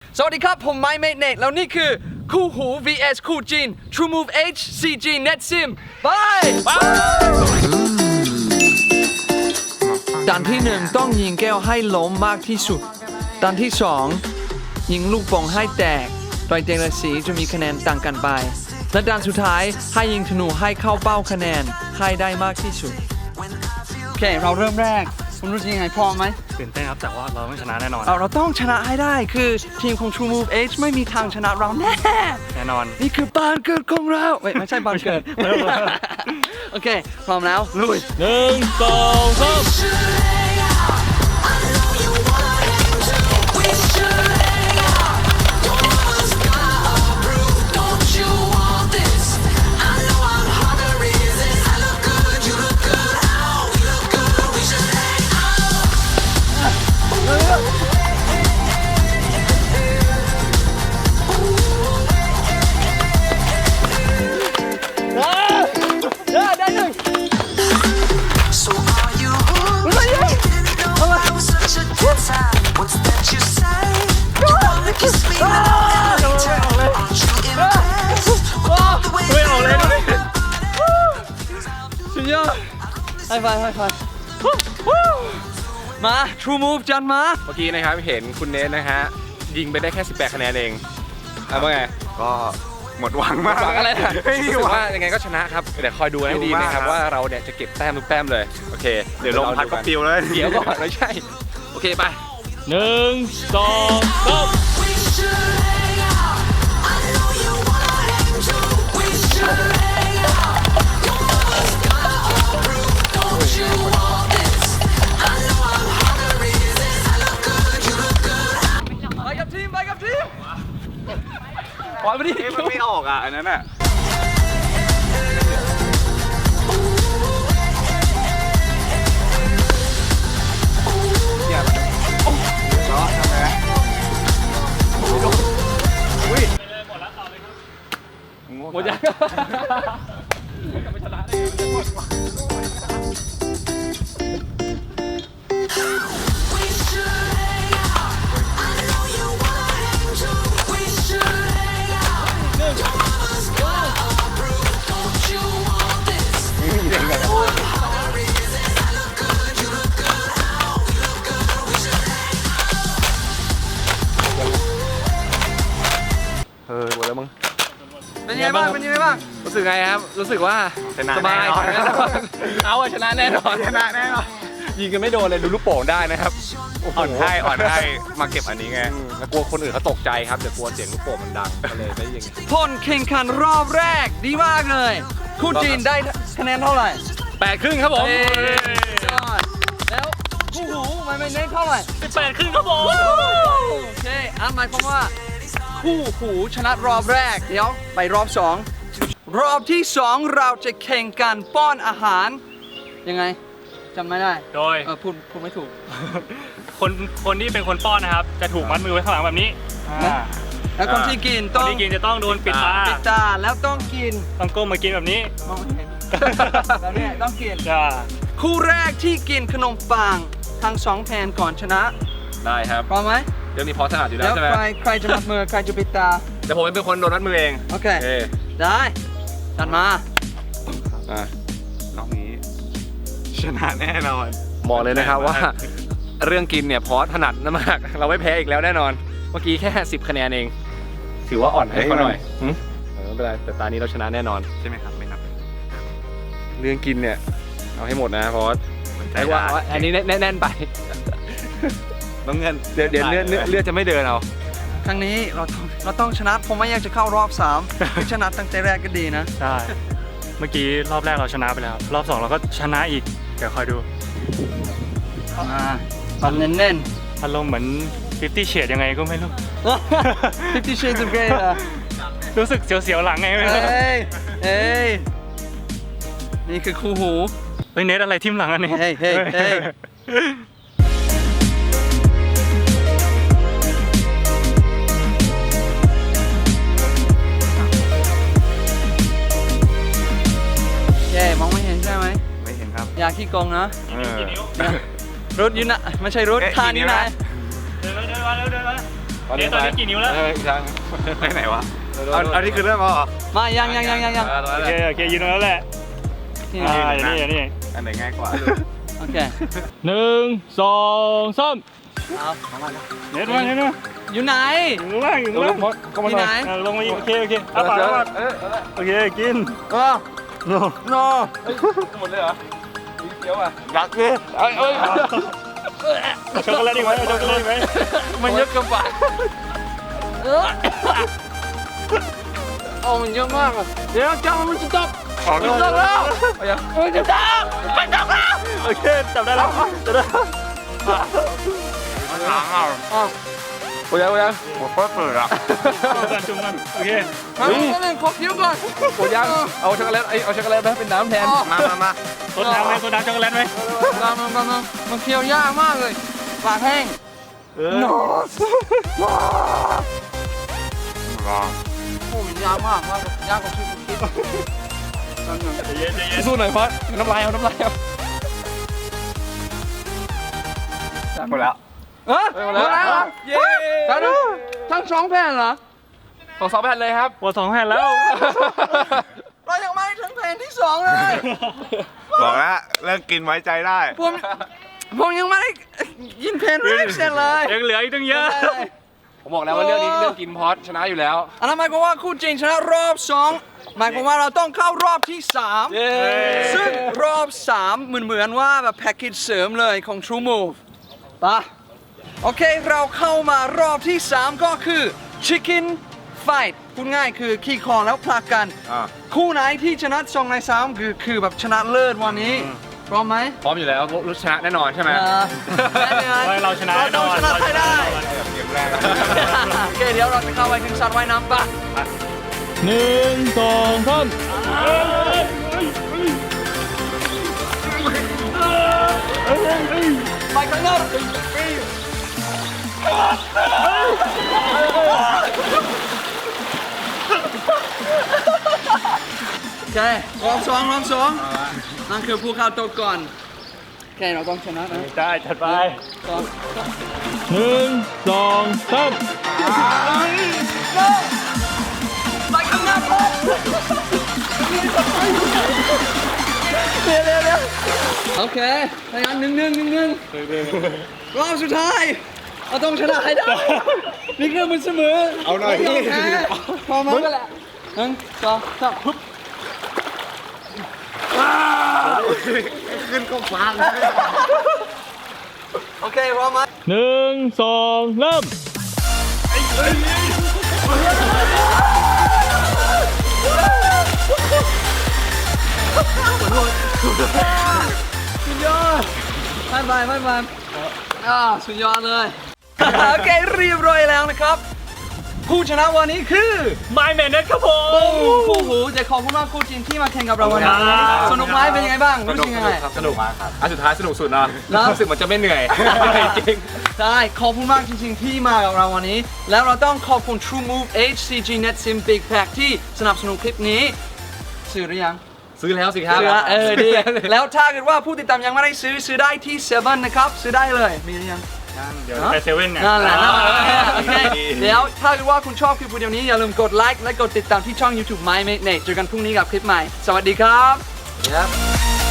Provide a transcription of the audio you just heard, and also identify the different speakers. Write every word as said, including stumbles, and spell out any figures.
Speaker 1: สวัสดีครับผมไมค์เมทเนตแล้วนี่คือคู่หู วี เอส คู่จีน True Move H ซี จี Net Sim ไปด่านที่หนึ่งต้องยิงแก้วให้ล้มมากที่สุดด่านที่สองยิงลูกโป่งให้แตกโดยแต่ละสีจะมีคะแนนต่างกันไปและด่านสุดท้ายให้ยิงธนูให้เข้าเป้าคะแนนให้ได้มากที่สุดโอเคเราเริ่มแรกคุณรู้ยังไงพร้อมไหม
Speaker 2: ตื่นเต้นครับแต่ว่าเราต้องชนะแน่นอน
Speaker 1: เราเราต้องชนะให้ได้คือทีมของ True Move H ไม่มีทางชนะเราแน่
Speaker 2: แน่นอน
Speaker 1: นี่คือบ้านเกิดของเราเว้ยไม่ใช่บ้านเกิดโอเคพร้อมแล้วลุย
Speaker 2: หนึ่งสองสาม
Speaker 1: ไฮไฟไฮไฟมา True Move จันมา
Speaker 3: เมื่อกี้นะครับเห็นคุณเนทนะฮะยิงไปได้แค่สิบแปดคะแนนเองเอาว่าไง
Speaker 4: ก็หมดหวังมาก
Speaker 3: หวังอะไรนะรู้สึกว่ายังไงก็ชนะครับเดี๋ยวคอยดูให้ดีนะครับว่าเราเนี่ยจะเก็บแต้มทุกแต้มเลยโอเค
Speaker 4: เดี๋ยวลมพัดก็ปิวเลย
Speaker 3: เดี๋ยวก่อนไม่ใช่โอเคไป
Speaker 2: หนึ่งสองสาม
Speaker 3: ปล่อยไปดิ
Speaker 4: มันไม่ออกอ่ะอันนั้นอ่ะเนี่ยโอ้เนาะทำไงอุ้ยหมดแล้วต่อเลยครับหมดยังไม่ชนะเออหมดแล้วมึง
Speaker 1: เป็นยังไงบ้างเป็นยังไงบ้าง
Speaker 3: รู้สึกไงครับรู้สึกว่า
Speaker 4: ชนะ
Speaker 3: สบายเอาอะชนะแน่นอน
Speaker 4: ชนะแน่นอน
Speaker 3: ยิงกันไม่โดนเลยดูลูกโป่งได้นะครับ
Speaker 4: อ่อนให้อ่อนให้มาเก็บอันนี้ไง
Speaker 3: แล้วกลัวคนอื่นเขาตกใจครับเดี๋ยวกลัวเสียงลูกโป่งมันดังก็เลยได้ยิง
Speaker 1: ผลแข่งขันรอบแรกดีมากเลยคู่จีนได้คะแนนเท่าไหร่
Speaker 3: แปดครึ่งครับผม
Speaker 1: แล้วคู่หูไม่ไม่เน้นเท่าไหร่
Speaker 2: แปดครึ่งครับผม
Speaker 1: โอเคอันหมายความว่าคู่หูชนะรอบแรกเดี๋ยวไปรอบสองรอบที่สองเราจะแข่งกันป้อนอาหารยังไงจำไม่ได้
Speaker 2: โดย
Speaker 1: เออพูดพูดไม่ถูก
Speaker 2: คนคนที่เป็นคนป้อนนะครับจะถูกมัดมือไว้ข้างหลังแบบนี้
Speaker 1: แล้วคนที่กินต้อง
Speaker 2: คนที่กินจะต้องโดนปิดตา
Speaker 1: ปิดตาแล้วต้องกิน
Speaker 2: ต้องก้มมากินแบบนี้
Speaker 1: มองไม่เห็นแบบนี้ต้องกินคู่แรกที่กินขนมปังทั้งสองแผ่นก่อนชนะ
Speaker 3: ได้ครับ
Speaker 1: พร้อมไหม
Speaker 3: เดี๋ยวนี้พอถนัดอยู่แล้วใช่ไหม
Speaker 1: ใครใครจะมัดมือใครจะปิดตา
Speaker 3: เดี๋ยวผมเป็นคนโดนมัดมือเอง
Speaker 1: โอเคได้จัดมา
Speaker 4: อ่ะน้องนี้ชนะแน่นอน
Speaker 3: บอกเลยนะครับว่าเรื่องกินเนี่ยพอถนัดมากเราไม่แพ้อีกแล้วแน่นอนเมื่อกี้แค่สิบคะแนนเองถือว่าอ่อนให้เขาหน่อยไม่เป็นไรแต่ตานี้เราชนะแน่นอน
Speaker 4: ใช่ไหมครับไม่นับ
Speaker 3: เรื่องกินเนี่ยเอาให้หมดนะพอใช่ว่าอันนี้แน่นๆไป
Speaker 4: ต้องเงิน
Speaker 3: เดี๋ยวเดี๋ยวเลือดเลือดจะไม่เดินเอา
Speaker 1: ครั้งนี้เราเราต้องชนะผมไม่อยากจะเข้ารอบสามชนะตั้งแต่แรกก็ดีนะ
Speaker 2: ใช่เมื่อกี้รอบแรกเราชนะไปแล้วรอบสองเราก็ชนะอีกเดี๋ยวคอยดู
Speaker 1: อ่าปันเน้น
Speaker 2: ๆอารมณ์เหมือนฟิฟตี้เชดยังไงก็ไม่รู้
Speaker 1: ฟิฟตี้เชดจะเกย์อ่ะ
Speaker 2: รู้สึกเสียวๆหลังไงไม่รู้
Speaker 1: เอ้ยเอ้ยนี่คือคู่หู
Speaker 2: เฮ้ยเน็ตอะไรทิ่มหลังอันนี้
Speaker 1: เฮ้ยเฮ้ยเฮ้ยมองไม่เห็นใช่ไหม
Speaker 4: ไม่เห็นครับ
Speaker 1: อยากขี้โกงนะรถอยู่นะไม่ใช่รถคานนี่นะ
Speaker 2: เดินมาเดินมาเดินมาเอ๊ะตอนนี้กี่นิ้วแล้ว
Speaker 3: เอออีกครั้ง
Speaker 4: ไปไหนวะเอาเอานี่คือเรื่องอ๋อ
Speaker 1: มายังยังยังยังยัง
Speaker 2: โอเคโอเคยืนตรงนั้นแหละ
Speaker 1: นี่
Speaker 2: อ่า
Speaker 1: นะ
Speaker 2: อย่างนี้อย่างนี้
Speaker 4: อันไหนง่ายกว่า
Speaker 1: โอเค
Speaker 2: หนึ่งสองสาม
Speaker 1: เอา
Speaker 2: เน็ตมาเน็ตมา
Speaker 1: อยู่ไหน
Speaker 2: อยู่ข้างล่างอยู่ข้างล่าง
Speaker 3: ก็มา
Speaker 1: ที่
Speaker 3: หน่
Speaker 1: ไหน
Speaker 3: อย
Speaker 2: อ่ะลงมาอีกโอเคโอเคเอาปากเอาปาก
Speaker 3: เออเออ
Speaker 2: โอเคกิน
Speaker 1: เออ
Speaker 2: โน่
Speaker 1: โน
Speaker 3: หมดเลยเหรอมีเกี๊ยวอ่ะ
Speaker 4: รักเลย
Speaker 3: เอ้ยเอ้ย
Speaker 2: เอาช็อกโกแลตอีกไหมเอาช็อกโกแลตอีกไหม
Speaker 3: มันเยอะเกินไป
Speaker 1: เออโอ้มันเยอะมากอะเดี๋ยวจ้ามันจะตก
Speaker 2: ออก
Speaker 1: มันจะตกแล้วมันจะตกมันจะตกแล้ว
Speaker 2: โอเคจับได้แล้วจับได้แล้ว
Speaker 4: ถามเอา
Speaker 1: อ๋อ
Speaker 3: โอ้ยโอ้ย
Speaker 4: หัวเปิดเปิดอ่ะ
Speaker 2: จุ่มกันจุ่มกันโอเค
Speaker 1: มาเล่นขอคิ้วก่อน
Speaker 3: โอ้ยังเอาช็อกโกแลตไอยเอาช็อกโกแลตไปเป็นน้ำแทน
Speaker 4: มามามา
Speaker 2: โซดาไหมโซดาช็อกโกแลตไหม
Speaker 1: มามามามามันเคี้ยวยากมากเลยปากแห้ง
Speaker 2: เออ
Speaker 4: รอ
Speaker 1: โอ้มันยากมากมากยากกว่าที่ผมคิด
Speaker 2: ใจเย็นใจเย็น
Speaker 3: สู้หน่อยพัดน้ำลายเอาน้ำลายเอา
Speaker 4: หมดแล้ว
Speaker 1: เออหมดแล้วเย้ทั้งทั้งสองแผ่นเหรอ
Speaker 3: สองสองแผ่นเลยครับ
Speaker 2: หมดสองแผ่นแล้ว
Speaker 1: เรายังไม่ถึงแผ่นที่สองเลย
Speaker 4: บอกแล้วเรื่องกินไว้ใจได้
Speaker 1: ผมผมยังไม่ได้ยินแผ่นแรกเสร็จเลย
Speaker 2: ยังเหลืออีกตั้งเยอะ
Speaker 3: ผมบอกแล้วว่าเรื่องนี้เรื่องกินพอดชนะอยู่แล้ว
Speaker 1: อันนั้นหมายความว่าคู่จริงชนะรอบสองหมายความว่าเราต้องเข้ารอบที่สามซึ่งรอบสามเหมือนเหมือนว่าแบบแพ็กเกจเสริมเลยของ True Move ปะโอเคเราเข้ามารอบที่สามก็คือ Chicken Fight พูดง่ายคือขี่คอแล้วผลักกัน
Speaker 4: อ่า
Speaker 1: คู่ไหนที่ชนะสองในสามคือคือแบบชนะเลิศวันนี้พร้อมไหม
Speaker 3: พร้อมอยู่แล้วรู้ชนะแน่นอนใช่ไหม
Speaker 1: เออได้ไหม
Speaker 2: ไว้เราชนะ
Speaker 1: เรา
Speaker 2: แน่น
Speaker 1: ต้อง
Speaker 2: อน
Speaker 1: ชนะให้ได้
Speaker 4: เกมแรก
Speaker 1: โอเคเดี๋ยวเราจะเข้าไปถึงสระว่ายน้ำปะ
Speaker 2: หนึ่งสองสาม
Speaker 1: ไปข้างนอกโอเครอบสองรอบสองนั่นคือผู้เข้าตัวก่อนโอเคเราต้องชนะนะ
Speaker 2: ได้จัดไป
Speaker 1: สอง
Speaker 2: หนึ่งสองสาม
Speaker 1: ไปข้างหน้าเลยเดี๋ยวเดี๋ยวเดี๋ยวโอเคถ้างั้นหนึ่งหนึ่งหนึ่งหนึ่งรอบสุดท้ายเราต้องชนะให้ได้นี่คือมันเสมอ
Speaker 4: เอาหน่อย
Speaker 1: ไม่ยมแพ้พอมั้งก็แหละหนึ่งสองสามปุ๊บ
Speaker 4: ขึ้นก็ฟัง
Speaker 1: โอเคพร้อมไหม
Speaker 2: หนึ่งสองเริ่ม
Speaker 1: สุดยอดไม่ไปไม่ไปอ่าสุดยอดเลย โอเคเรียบร้อยแล้วนะครับ ผู้ชนะวันนี้คือ
Speaker 2: My Man นะครับผม
Speaker 1: คู่หูจะขอบคุณมากคู่จริงที่มาแข่งกับเราวันนี้
Speaker 2: ครับ
Speaker 1: สนุกไหมเป็นยังไงบ้างรู้สึกยังไง
Speaker 3: สนุกมากครับอันสุดท้ายสนุกสุดเนาะ
Speaker 1: นะ
Speaker 3: รู้สึกเหมือนจะไม่เหนื่อยเหนื่อยจริง
Speaker 1: ใช่ขอบคุณมากจริงๆที่มากับเราวันนี้ แล้วเราต้องขอบคุณ True Move เอช ซี จี Net Sim Big Pack ที่สนับสนุนคลิปนี้ซื้อหรือยัง
Speaker 3: ซื้อแล้วสิครับ
Speaker 1: ซื้อละเออดี แล้วถ้าเกิดว่าผู้ติดตามยังไม่ได้ซื้อซื้อได้ที่เซเว่นนะครับ ซื้อได้เลยมีหรือยัง
Speaker 2: เดี๋ยวไปเซเว่นเนี่ย
Speaker 1: นั่นแหละนั่นแหละโอเคเดี๋ยวถ้าเกิดว่าคุณชอบคลิปวิดีโอนี้อย่าลืมกดไลค์และกดติดตามที่ช่อง YouTube My Mate Nate เจอกันพรุ่งนี้กับคลิปใหม่ สวัสดีครับ